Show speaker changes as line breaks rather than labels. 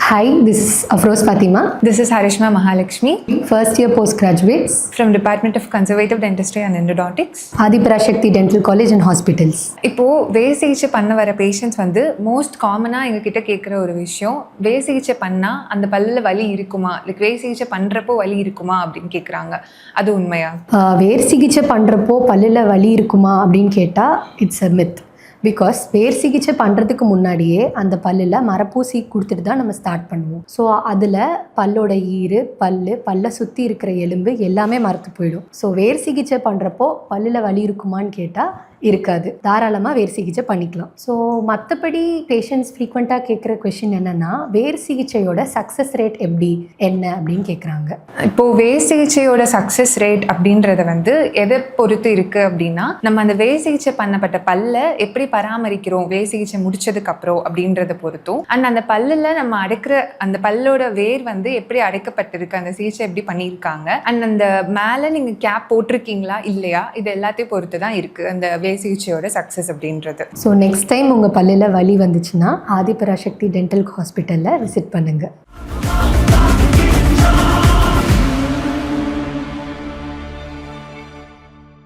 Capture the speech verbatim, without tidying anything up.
Hi, this is Afroz Fatima.
This is Harishma Mahalakshmi.
First year postgraduates
From Department of Conservative Dentistry and Endodontics.
Adiparashakti Dental College and Hospitals.
இப்போது வே சிகிச்சை பண்ண வர patients வந்து most காமனாக எங்ககிட்ட கேட்குற ஒரு விஷயம், வே சிகிச்சை பண்ணால் அந்த பல்லில் வலி இருக்குமா, லைக் வே சிகிச்சை பண்ணுறப்போ வலி இருக்குமா அப்படின்னு கேட்குறாங்க. அது உண்மையா?
வேர் சிகிச்சை பண்ணுறப்போ பல்லில் வலி இருக்குமா அப்படின்னு கேட்டால் இட்ஸ் அ மித். பிகாஸ் வேர் சிகிச்சை பண்ணுறதுக்கு முன்னாடியே அந்த பல்லில் மரப்பூசி கொடுத்துட்டு தான் நம்ம ஸ்டார்ட் பண்ணுவோம். ஸோ அதில் பல்லோட ஈறு, பல், பல்லை சுற்றி இருக்கிற எலும்பு எல்லாமே மரத்து போயிடும். ஸோ வேர் சிகிச்சை பண்ணுறப்போ பல்லில் வலி இருக்குமான்னு கேட்டால் இருக்காது. தாராளமாக வேர் சிகிச்சை பண்ணிக்கலாம். ஸோ மற்றபடி பேஷண்ட்ஸ் ஃப்ரீக்வெண்ட்டாக கேட்குற கொஷின் என்னென்னா, வேர் சிகிச்சையோட சக்ஸஸ் ரேட் எப்படி என்ன அப்படின்னு கேட்குறாங்க.
இப்போது வேர் சிகிச்சையோட சக்ஸஸ் ரேட் அப்படின்றத வந்து எதை பொறுத்து இருக்குது அப்படின்னா, நம்ம அந்த வேர் சிகிச்சை பண்ணப்பட்ட பல்லை எப்படி பராமரிக்கிறோம் வேர் சிகிச்சை முடிச்சதுக்கு அப்புறம் அப்படின்றத பொறுத்தும், அண்ட் அந்த பல்லில் நம்ம அடைக்கிற அந்த பல்லோட வேர் வந்து எப்படி அடைக்கப்பட்டிருக்கு, அந்த சிகிச்சை எப்படி பண்ணியிருக்காங்க, அண்ட் அந்த மேலே நீங்கள் கேப் போட்டிருக்கீங்களா இல்லையா, இது எல்லாத்தையும் பொறுத்து தான் இருக்குது அந்த வேர் சிகிச்சையோட சக்ஸஸ் அப்படின்றது.
ஸோ நெக்ஸ்ட் டைம் உங்கள் பல்லில் வலி வந்துச்சுன்னா ஆதிபராசக்தி டென்டல் ஹாஸ்பிட்டலில் விசிட் பண்ணுங்கள்.